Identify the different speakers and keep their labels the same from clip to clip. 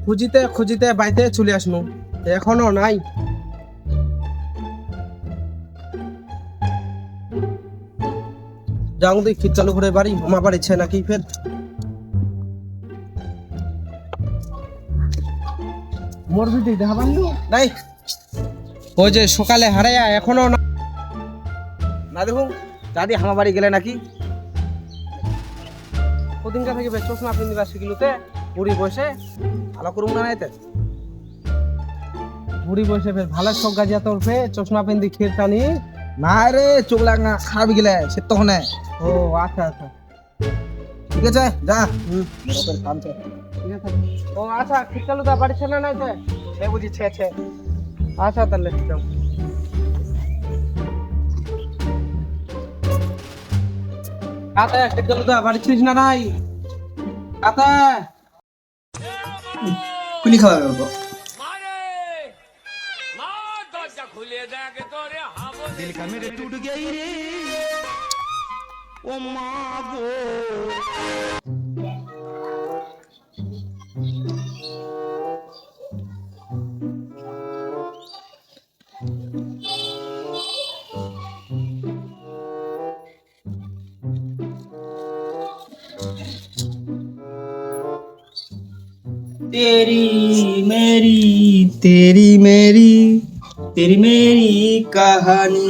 Speaker 1: খুঁজিতে খুঁজিতে বাইতে চলে আসনু, এখনো নাই। যাও দেখি খিট চালু করে বাড়ি আমার বাড়িছে নাকি ফের। মোর বিটি দেখা পাইলু নাই, ওই যে সকালে হারাইয়া এখনো না।
Speaker 2: না দেখুন দাদি আমার বাড়ি গেলে নাকি।
Speaker 1: কদিনকা থেকে বেশ চশমা পিন্দিবা শিখিলুতে বুড়ি বসে।
Speaker 2: ভালো করুন না এতে।
Speaker 1: বুড়ি বসে বেশ ভালো শখ গাজিয়া তোর ফে চশমা পিন্দি ক্ষীর টানি।
Speaker 2: না রে চোখ লাগা খারাপ গেলে সে তখন
Speaker 1: ও আচ্ছা আচ্ছা
Speaker 2: ঠিক আছে যা।
Speaker 1: ঠিক আছে। ও আচ্ছা ঠিক চালু দা বাড়ি ছেলে নাই তো
Speaker 2: সে বুঝি ছে
Speaker 1: আচ্ছা তাহলে যাও। কাতা ঠিক চালু দা বাড়ি ছিস না নাই কাতা।
Speaker 2: কুনি খাওয়া গেল
Speaker 3: दिल का मेरे टूट गई रे ओ माँ गो।
Speaker 2: तेरी मेरी तेरी मेरी कहानी।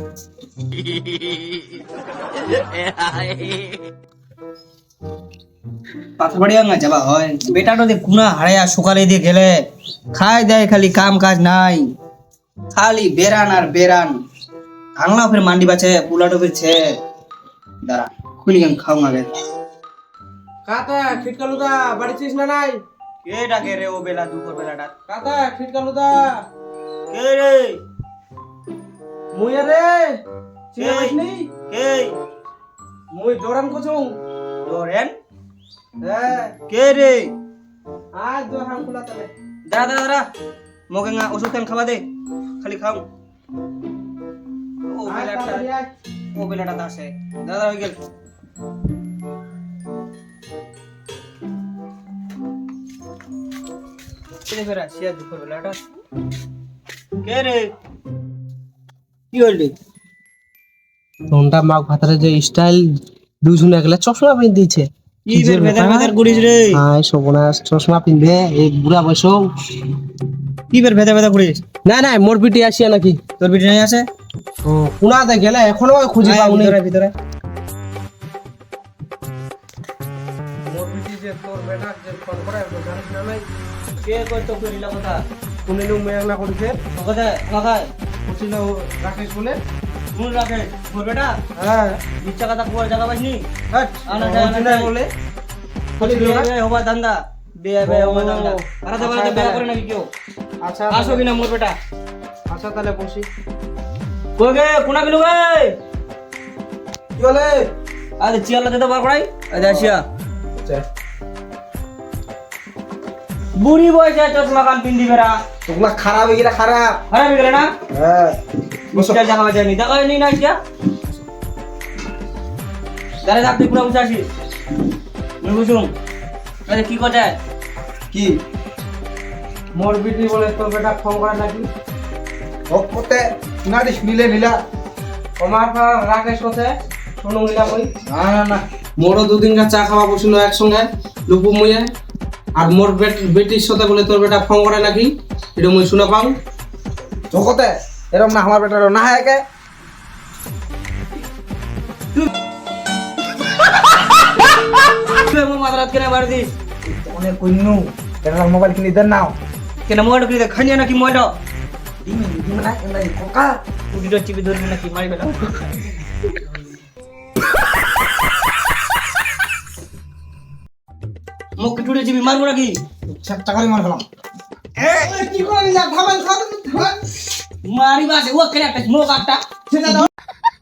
Speaker 2: পাথরবাড়িয়া না যাবা হয় বেটাটা দে কুনা হারায়া সকালে দিয়ে গেলে খাই দেয় খালি কাম কাজ নাই, খালি বেরান আর বেরান। আংলা ফের মান্ডি বাছে পুলাটো ফিরছে দাঁড়া খুলি গান খাও আগে।
Speaker 1: কাতা ঠিক চালু দা বাড়ি ছিস না নাই
Speaker 2: কে ডাকে রে ও বেলা দুপুর বেলাটা?
Speaker 1: কাতা ঠিক চালু দা
Speaker 2: কে রে?
Speaker 1: মুই রে
Speaker 2: কে?
Speaker 1: চিনি
Speaker 2: কে?
Speaker 1: মুই দৌড়ান কছুং।
Speaker 2: ডোরেন?
Speaker 1: হ্যাঁ
Speaker 2: কে রে?
Speaker 1: আজ দৌড়ান খুলা তলে।
Speaker 2: দাঁড়া দাঁড়া দাঁড়া মোকে না ওষুধ তেল খাওয়া দে খালি খাও। ও
Speaker 1: আজ
Speaker 2: বেলাটা
Speaker 1: তাড়াতাড়ি আয়।
Speaker 2: ও বেলাটা আসে দাদা হয়ে গেল। কে ফেরা শিয়া দুপুর বেলাটা? কে রে? কি হইল?
Speaker 1: তোনটা মাগ ভাতারে যে স্টাইল দুজনে গেলে চশমা পিন দিয়েছে।
Speaker 2: কি বের ভেদার ভেদার করিস রে?
Speaker 1: হাই সবনাস চশমা পিনবে এই বুড়া বয়সও।
Speaker 2: কি বের ভেদা ভেদা করিস?
Speaker 1: না না মোর পিটি আসিয়া নাকি
Speaker 2: তোর বিটি নাই আছে?
Speaker 1: ও কুনাতে গেলে এখনো খুঁজে
Speaker 2: আয়,
Speaker 1: পাউনি।
Speaker 2: ভিতরে ভিতরে
Speaker 1: মোর পিটি যে তোর বেটা যে ফোন করে তো জানিস না নাই
Speaker 2: কে কই তো কইলা কথা?
Speaker 1: কুনিনু মেয়াং না করিছে
Speaker 2: কথা লাগায়
Speaker 1: কুচিনা রাকেশ বলে।
Speaker 2: মন রাখে তোর বেটা
Speaker 1: হ্যাঁ
Speaker 2: ইচ্ছা কথা কোয়া জায়গা পাইনি।
Speaker 1: হট
Speaker 2: আনা যায়, আনা যায়।
Speaker 1: বলে
Speaker 2: খালি বিয়ে হবা ধান্দা বিয়ে বিয়ে হবা ধান্দা। আর
Speaker 1: আচ্ছা,
Speaker 2: দেবারে বিয়ে করে নাকি কেউ?
Speaker 1: আচ্ছা
Speaker 2: আসো কিনা মোর বেটা?
Speaker 1: আচ্ছা তাহলে বসি।
Speaker 2: কই গে কোনা গেলু গে?
Speaker 1: কি বলে?
Speaker 2: আরে চিয়ালা দিতে বার করাই আজ আসিয়া
Speaker 1: আচ্ছা
Speaker 2: বুড়ি বয়সে চশমা কান পিন্দি বেরা
Speaker 1: তোগুলা খারাপ হয়ে গেলে খারাপ।
Speaker 2: খারাপ গেলে না?
Speaker 1: হ্যাঁ
Speaker 2: বুঝতে জানা যায়নি দেখা নি না আসিয়া দাঁড়া থাকতে পুরো বুঝে আসিস আমি বুঝুম। আরে কি কথা
Speaker 1: কি মোর বিটি বলে তোর বেটা ফোন করে নাকি
Speaker 2: ওতে না দিস মিলে নিলা।
Speaker 1: আমার রাকেশ কথা শুনুন নিলাম ওই।
Speaker 2: না না না
Speaker 1: মোরও দুদিন চা খাওয়া বসিল একসঙ্গে লুপু মুয়ে। আর মোর বেটির সাথে বলে তোর বেটা ফোন করে নাকি এটা মুই শুনে পাও।
Speaker 2: জগতে এরকম না আমার বেটার না হয় কে? তুই মোর মাথারাত কেন বার দিস? অনেক কইনু এটা মোবাইল কিনে দেন নাও কেন মোবাইল কিনে খানিয়া নাকি মোবাইল দিমি দিমি না এলাই কোকা উডিটো চিপি ধরবি নাকি মারি বেটা। মুখ টুটে চিপি মারবো নাকি? চারটা করে মার ফেলাম।
Speaker 1: কি করে না ধাবাল খাও
Speaker 2: মারি বাসে ও কেন একটা মুখ একটা সেটা দাও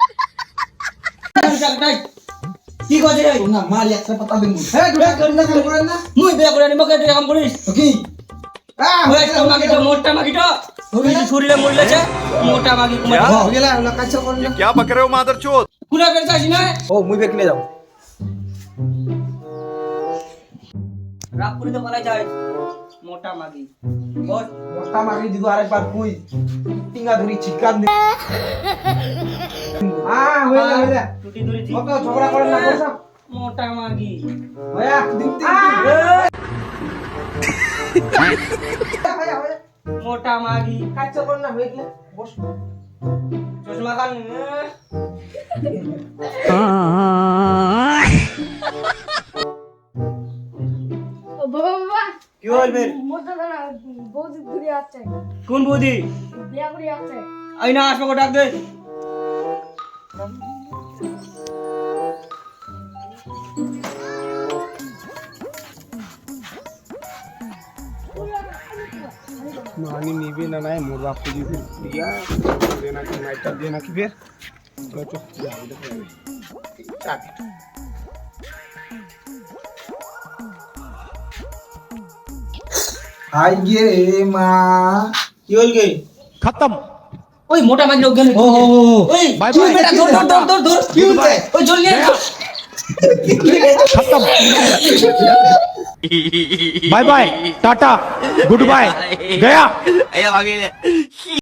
Speaker 2: কি করে রে
Speaker 1: না মারি একটা পাতা দিন।
Speaker 2: হ্যাঁ দুটা করে না করে না মুই বিয়া করে নিমকে তুই কাম করিস
Speaker 1: কি
Speaker 2: ওই তো মাগি তো মোটা মাগি তো ওই শরীরে মরলেছে মোটা মাগি কুমার
Speaker 1: हो गेला ना काचा कोण
Speaker 4: क्या बक रहे हो मादरचोद?
Speaker 2: কুনা বের যাস না
Speaker 1: ও মুই বেকলে যাও
Speaker 2: রাগ করে তো বলা যায় মোটা মাগি বস
Speaker 1: মোটা মাগি দিগো আরেকবার কই টিঙ্গা ধরি চিকান দি হইলা
Speaker 2: টুটি ধরেছি
Speaker 1: কত ঝগড়া করেন না বসো
Speaker 2: মোটা মাগি
Speaker 1: হয়া দিতে
Speaker 2: মোটা মাগি
Speaker 1: কাচ্চা করেন না হইলে বস
Speaker 2: চশমা খান
Speaker 4: ও বাবা বাবা
Speaker 2: কি বলবে
Speaker 4: মোটা দানা বৌদি ঘুরে আসছে
Speaker 2: কোন বৌদি
Speaker 4: বিয়া করে আসছে
Speaker 2: আই না আসবো ডাক দে
Speaker 1: मानी नीबे ना ना मोर बाप को जी दिया देना कि नाइट देना कि फिर तो चुप जा इधर चाबी आइए मां
Speaker 2: কি হল গে
Speaker 3: खत्म
Speaker 2: ওই মোটা মাগি লোক গেল ওই
Speaker 3: বাই
Speaker 2: তুই
Speaker 3: বাই।
Speaker 2: বেটা ধর ধর ধর ধর ধর কি হচ্ছে ওই জল নিয়ে যা
Speaker 3: खत्म bye bye tata goodbye गया